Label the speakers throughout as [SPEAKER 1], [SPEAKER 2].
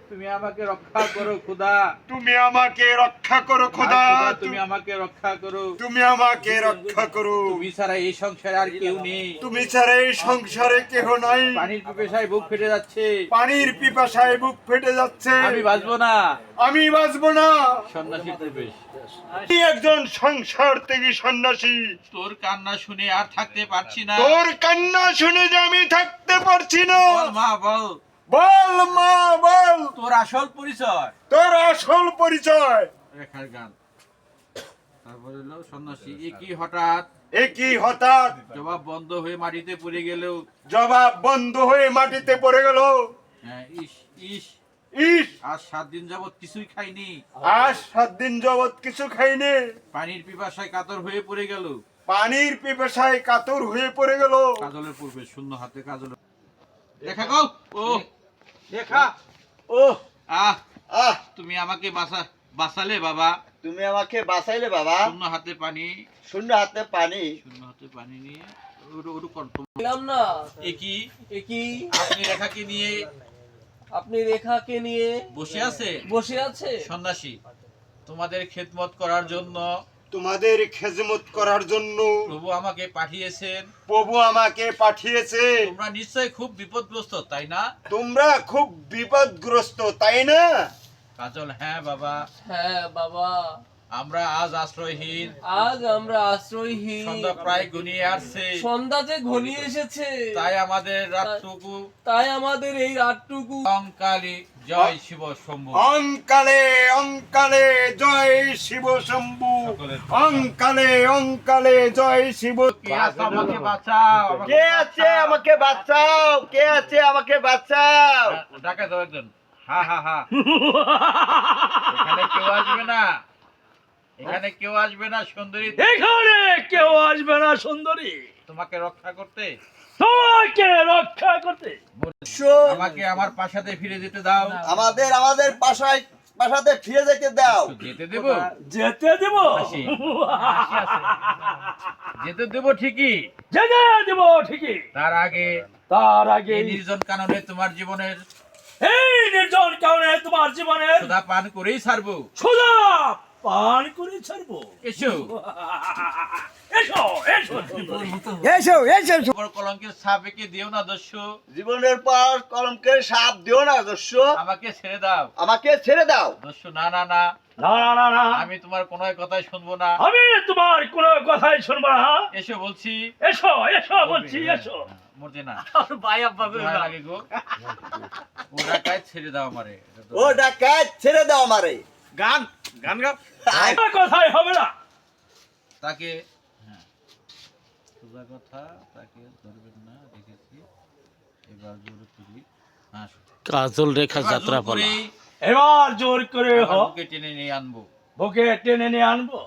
[SPEAKER 1] তুমি আমাকে রক্ষা করো খোদা,
[SPEAKER 2] তুমি আমাকে রক্ষা করো খোদা,
[SPEAKER 1] তুমি আমাকে রক্ষা করো,
[SPEAKER 2] তুমি আমাকে রক্ষা করো।
[SPEAKER 1] তুমি ছাড়া এই সংসারে আর কেউ নেই,
[SPEAKER 2] তুমি ছাড়া এই সংসারে কেহ নাই।
[SPEAKER 1] পানির পিপাসায় বুক ফেটে যাচ্ছে,
[SPEAKER 2] পানির পিপাসায় বুক ফেটে যাচ্ছে।
[SPEAKER 1] আমি বাঁচবো না।
[SPEAKER 2] আমি বাঁচবো না।
[SPEAKER 1] সন্ন্যাসী প্রবেশ।
[SPEAKER 2] আমি একজন সংসার থেকে সন্ন্যাসী।
[SPEAKER 1] তোর কান্না শুনে আর থাকতে পারছি না।
[SPEAKER 2] তোর কান্না শুনে যে আমি থাকতে পারছি না।
[SPEAKER 1] বল মা বল,
[SPEAKER 2] বল মা বল,
[SPEAKER 1] তোর আসল পরিচয়।
[SPEAKER 2] তোর আসল পরিচয়।
[SPEAKER 1] রেখার গান। তারপর হলো সন্ন্যাসী একই হঠাৎ,
[SPEAKER 2] একই হঠাৎ
[SPEAKER 1] জবাব বন্ধ হয়ে মাটিতে পড়ে গেল।
[SPEAKER 2] জবাব বন্ধ হয়ে মাটিতে পড়ে গেল।
[SPEAKER 1] হ্যাঁ, ইস ইস,
[SPEAKER 2] ইস,
[SPEAKER 1] আজ 7 দিন যাবত কিছুই খাইনি।
[SPEAKER 2] আজ 7 দিন যাবত কিছু খাইনি।
[SPEAKER 1] পানির পিপাসায় কাতর হয়ে পড়ে গেল।
[SPEAKER 2] পানির পিপাসায় কাতর হয়ে পড়ে গেল।
[SPEAKER 1] কাজলের পূর্বে শূন্য হাতে কাজল। রেখা গো, ও রেখা,
[SPEAKER 2] ও
[SPEAKER 1] আহ,
[SPEAKER 2] আহ,
[SPEAKER 1] তুমি আমাকে বাঁচালে বাবা।
[SPEAKER 2] তুমি আমাকে বাঁচাইলে বাবা।
[SPEAKER 1] শূন্য হাতে পানি,
[SPEAKER 2] শূন্য হাতে পানি।
[SPEAKER 1] শূন্য হাতে পানি নিয়ে ওরু কণ্ঠ।
[SPEAKER 3] পেলাম না।
[SPEAKER 1] একই,
[SPEAKER 3] একই
[SPEAKER 1] আপনি রেখাকে নিয়ে
[SPEAKER 3] আপনি রেখাকে নিয়ে
[SPEAKER 1] বসে আছে
[SPEAKER 3] বসে আছে
[SPEAKER 1] সন্ন্যাসী, তোমাদের খেদমত করার জন্য
[SPEAKER 2] তোমাদের খেজমত করার জন্য
[SPEAKER 1] প্রভু আমাকে পাঠিয়েছেন।
[SPEAKER 2] প্রভু আমাকে পাঠিয়েছে।
[SPEAKER 1] তোমরা নিশ্চয়ই খুব বিপদগ্রস্ত, তাই না?
[SPEAKER 2] তোমরা খুব বিপদগ্রস্ত, তাই না?
[SPEAKER 1] কাজল, হ্যাঁ বাবা,
[SPEAKER 3] হ্যাঁ বাবা,
[SPEAKER 1] আমরা আজ আশ্রয়হীন।
[SPEAKER 3] আজ আমরা আশ্রয়হীন।
[SPEAKER 1] সন্ধ্যা প্রায় ঘনিয়ে আসছে,
[SPEAKER 3] সন্ধ্যা যে ঘনিয়ে এসেছে,
[SPEAKER 1] তাই আমাদের রাতটুকু
[SPEAKER 3] তাই আমাদের এই রাতটুকু
[SPEAKER 1] অঙ্কালী জয় শিব শম্ভু।
[SPEAKER 2] অঙ্কালে অঙ্কালে জয় শিব শম্ভু। অঙ্কালে অঙ্কালে জয় শিব।
[SPEAKER 1] কে আছে আমাকে বাঁচাও, আমাকে
[SPEAKER 2] কে আছে আমাকে বাঁচাও, কে আছে আমাকে বাঁচাও।
[SPEAKER 1] ডাকে দাও একজন। হা হা হা। এখানে কেউ আসবে না, এখানে কেউ আসবে না সুন্দরী।
[SPEAKER 4] এখানে কেউ আসবে না সুন্দরী,
[SPEAKER 1] তোমাকে রক্ষা করতে,
[SPEAKER 4] তোমাকে রক্ষা করতে।
[SPEAKER 1] আমাকে আমার প্রাসাদে ফিরে যেতে দাও।
[SPEAKER 2] আমাদের আমাদের পাশাতে ফিরে যেতে দাও।
[SPEAKER 1] যেতে দেব,
[SPEAKER 4] যেতে দেব,
[SPEAKER 1] হাসি, হাসি আছে। যেতে দেব ঠিকই,
[SPEAKER 4] যেতে দেব ঠিকই।
[SPEAKER 1] তার আগে
[SPEAKER 4] তার আগে
[SPEAKER 1] এই নির্জন কাননে তোমার জীবনের
[SPEAKER 4] এই নির্জন কারণে তোমার জীবনের
[SPEAKER 1] সুধা পান করেই ছাড়বো।
[SPEAKER 4] সোজা পান করে ছাড়বো।
[SPEAKER 1] এসো,
[SPEAKER 4] এসো এসো
[SPEAKER 2] এসো এসো।
[SPEAKER 1] বড় কলঙ্কের ছাপ এঁকে দিও না দস্যু।
[SPEAKER 2] জীবনের পর কলমকের সাপ দিও না দস্যু।
[SPEAKER 1] আমাকে ছেড়ে দাও
[SPEAKER 2] আমাকে ছেড়ে দাও।
[SPEAKER 1] দস্যু। না না না,
[SPEAKER 4] না না না না,
[SPEAKER 1] আমি তোমার কোনো কথাই শুনবো না।
[SPEAKER 4] আমি তোমার কোনো কথাই শুনবো না।
[SPEAKER 1] এসো বলছি।
[SPEAKER 4] এসো এসো বলছি, এসো।
[SPEAKER 1] মরছে না,
[SPEAKER 3] ভাই আব্বা
[SPEAKER 1] ভয় লাগে গো। ও ডাকায় ছেড়ে দাও আমারে।
[SPEAKER 2] ও ডাকাত ছেড়ে দাও আমারে।
[SPEAKER 1] গান গান গাও।
[SPEAKER 4] কোনো কথাই হবে না।
[SPEAKER 1] তাকে, হ্যাঁ, সোজা কথা, তাকে ধরবেন না, দেখেছি। এবার জোরে তুলি। হ্যাঁ,
[SPEAKER 5] কাজল রেখা
[SPEAKER 1] এবার
[SPEAKER 5] যাত্রা
[SPEAKER 1] জোর
[SPEAKER 5] পালা।
[SPEAKER 1] করেই
[SPEAKER 4] এবার জোর করে
[SPEAKER 1] আমার বুকে টেনে নিয়ে আনবো।
[SPEAKER 4] বুকে টেনে নিয়ে আনবো।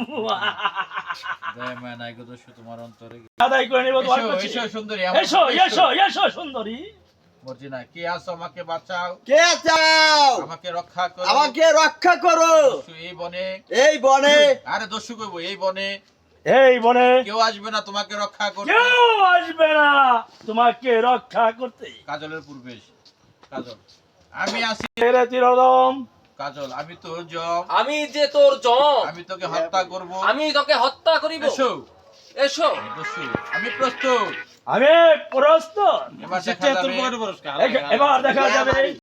[SPEAKER 1] দয়া মায়া নাই গো দস্যু তোমার অন্তরে।
[SPEAKER 4] আদায় করে নেবো তোমার
[SPEAKER 1] এসো,
[SPEAKER 4] কাছে।
[SPEAKER 1] এসো সুন্দরী, আমার
[SPEAKER 4] এসো
[SPEAKER 1] কাছে
[SPEAKER 4] এসো এসো সুন্দরী।
[SPEAKER 1] মরছি না, কে আছো আমাকে বাঁচাও,
[SPEAKER 2] কে চাও?
[SPEAKER 1] আমাকে রক্ষা করো।
[SPEAKER 2] আমাকে রক্ষা করো।
[SPEAKER 1] দস্যু এই বনে,
[SPEAKER 2] এই বনে,
[SPEAKER 1] আরে দস্যু কইবো এই বনে
[SPEAKER 4] এই বনে
[SPEAKER 1] কেউ আসবে না তোমাকে রক্ষা করতে।
[SPEAKER 4] কেউ আসবে না তোমাকে রক্ষা করতে।
[SPEAKER 1] কাজলের পূর্বেশ। কাজল, আমি আসি।
[SPEAKER 4] ছেড়ে চিরদম
[SPEAKER 1] কাজল, আমি তোর জম,
[SPEAKER 3] আমি যে তোর জম,
[SPEAKER 1] আমি তোকে হত্যা করব।
[SPEAKER 3] আমি তোকে হত্যা করিব।
[SPEAKER 1] এসো
[SPEAKER 3] এসো।
[SPEAKER 1] দস্যু, আমি প্রস্তুত।
[SPEAKER 4] আমি প্রস্তুত।
[SPEAKER 1] এবার দেখা যাবে।
[SPEAKER 4] এবার দেখা যাবে